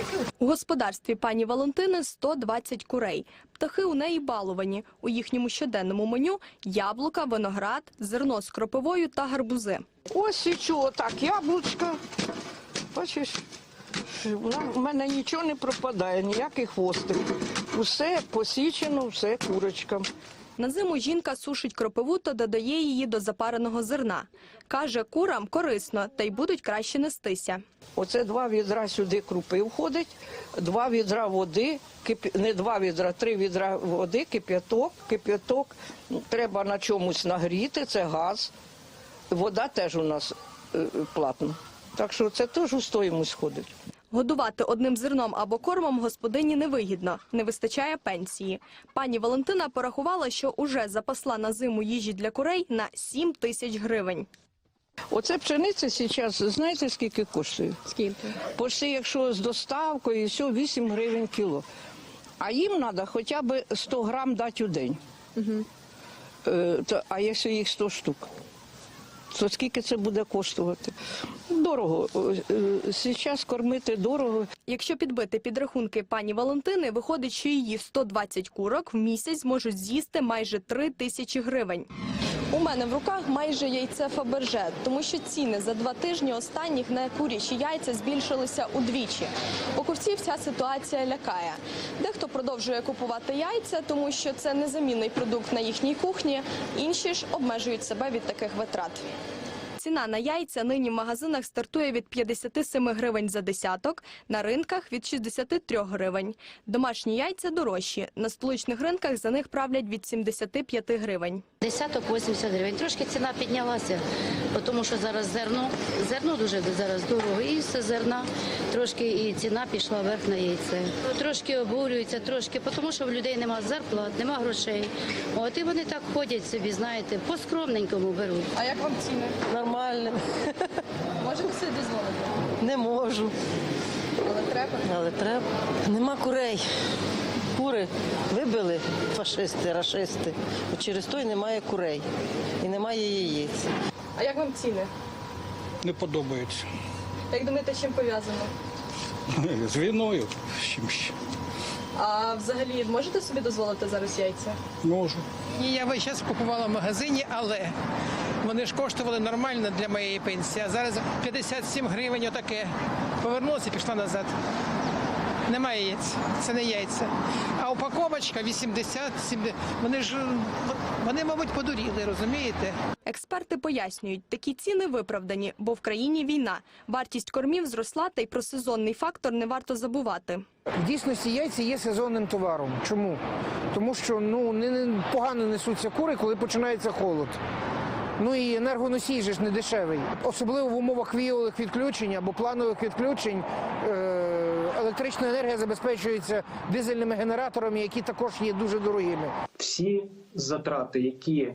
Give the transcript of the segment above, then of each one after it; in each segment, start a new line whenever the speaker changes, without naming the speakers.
У господарстві пані Валентини 120 курей. Птахи у неї баловані. У їхньому щоденному меню – яблука, виноград, зерно з кропивою та гарбузи.
Ось і чого так, яблучка. Бачиш, у мене нічого не пропадає, ніякий хвостик. Усе посічено, все курочкам.
На зиму жінка сушить кропиву та додає її до запареного зерна. Каже, курам корисно, та й будуть краще нестися.
Оце 2 відра сюди крупи входить, 2 відра води, не 2 відра, 3 відра води, кип'яток. Треба на чомусь нагріти, це газ. Вода теж у нас платна. Так що це теж у стоїмость входить.
Годувати одним зерном або кормом господині невигідно, не вистачає пенсії. Пані Валентина порахувала, що уже запасла на зиму їжі для курей на 7 тисяч гривень.
Оце пшениця зараз, знаєте, скільки коштує?
Скільки?
Почти, якщо з доставкою, все 8 гривень кіло. А їм треба хоча б 100 грам дати у день. А якщо їх 100 штук, то скільки це буде коштувати? Дорого. Зараз кормити дорого.
Якщо підбити підрахунки пані Валентини, виходить, що її 120 курок в місяць зможуть з'їсти майже 3 тисячі гривень. У мене в руках майже яйце Фаберже, тому що ціни за 2 тижні останніх на курячі яйця збільшилися удвічі. Покупців ця ситуація лякає. Дехто продовжує купувати яйця, тому що це незамінний продукт на їхній кухні, інші ж обмежують себе від таких витрат. Ціна на яйця нині в магазинах стартує від 57 гривень за десяток, на ринках – від 63 гривень. Домашні яйця дорожчі, на столичних ринках за них правлять від 75 гривень.
Десяток 80 гривень. Трошки ціна піднялася, тому що зараз зерно дуже зараз дорого, і все зерна, трошки і ціна пішла вверх на яйце. Трошки обурюються, тому що в людей немає зарплат, немає грошей. От і вони так ходять собі, знаєте, по-скромненькому беруть.
А як вам ціни?
Нормально.
Можете собі дозволити?
Не можу.
Але треба?
Але треба. Нема курей. Кури вибили фашисти, рашисти. Через то й немає курей. І немає яєць.
А як вам ціни?
Не подобається.
Як думаєте, чим пов'язано?
З війною, з чим ще.
А взагалі можете собі дозволити зараз яйця?
Можу.
Ні, я весь час купувала в магазині, але вони ж коштували нормально для моєї пенсії. А зараз 57 гривень отаке. Повернулася і пішла назад. Немає яєць, це не яйця. А упаковочка 80, 70. Вони, мабуть, подуріли, розумієте?
Експерти пояснюють, такі ціни виправдані, бо в країні війна. Вартість кормів зросла, та й про сезонний фактор не варто забувати.
В дійсності яйця є сезонним товаром. Чому? Тому що погано несуться кури, коли починається холод. Ну і енергоносій же ж не дешевий. Особливо в умовах віялових відключень або планових відключень електрична енергія забезпечується дизельними генераторами, які також є дуже дорогими.
Всі затрати, які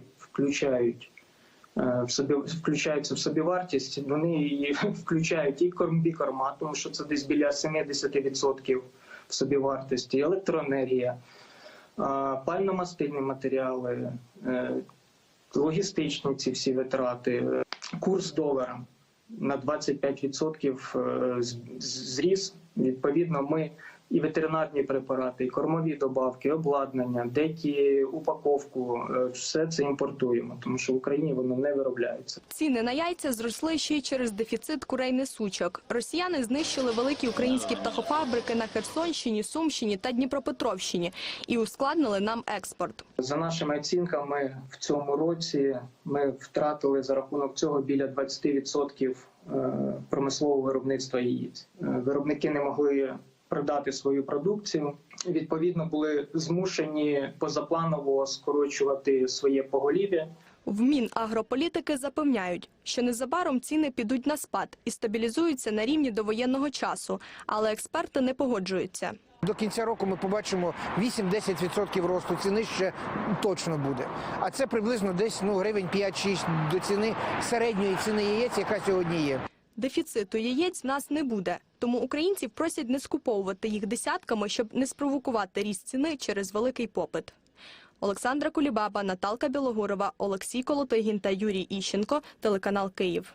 включаються в собівартість, вони її включають і комбікорма, тому що це десь біля 70% в собівартості, електроенергія, пально-мастильні матеріали, логістичні ці всі витрати, курс долара на 25% зріс. Відповідно, ми і ветеринарні препарати, і кормові добавки, обладнання, деякі упаковку, все це імпортуємо, тому що в Україні воно не виробляється.
Ціни на яйця зросли ще й через дефіцит курей-несучок. Росіяни знищили великі українські птахофабрики на Херсонщині, Сумщині та Дніпропетровщині і ускладнили нам експорт.
За нашими оцінками, в цьому році ми втратили за рахунок цього біля 20% промислового виробництва яєць. Виробники не могли продати свою продукцію, відповідно були змушені позапланово скорочувати своє поголів'я.
В Мінагрополітики запевняють, що незабаром ціни підуть на спад і стабілізуються на рівні довоєнного часу, але експерти не погоджуються.
До кінця року ми побачимо 8-10% росту ціни ще точно буде. А це приблизно десь гривень 5-6 до ціни середньої ціни яєць, яка сьогодні є.
Дефіциту яєць в нас не буде, тому українців просять не скуповувати їх десятками, щоб не спровокувати ріст ціни через великий попит. Олександра Кулібаба, Наталка Білогурова, Олексій Колотигін та Юрій Іщенко, телеканал «Київ».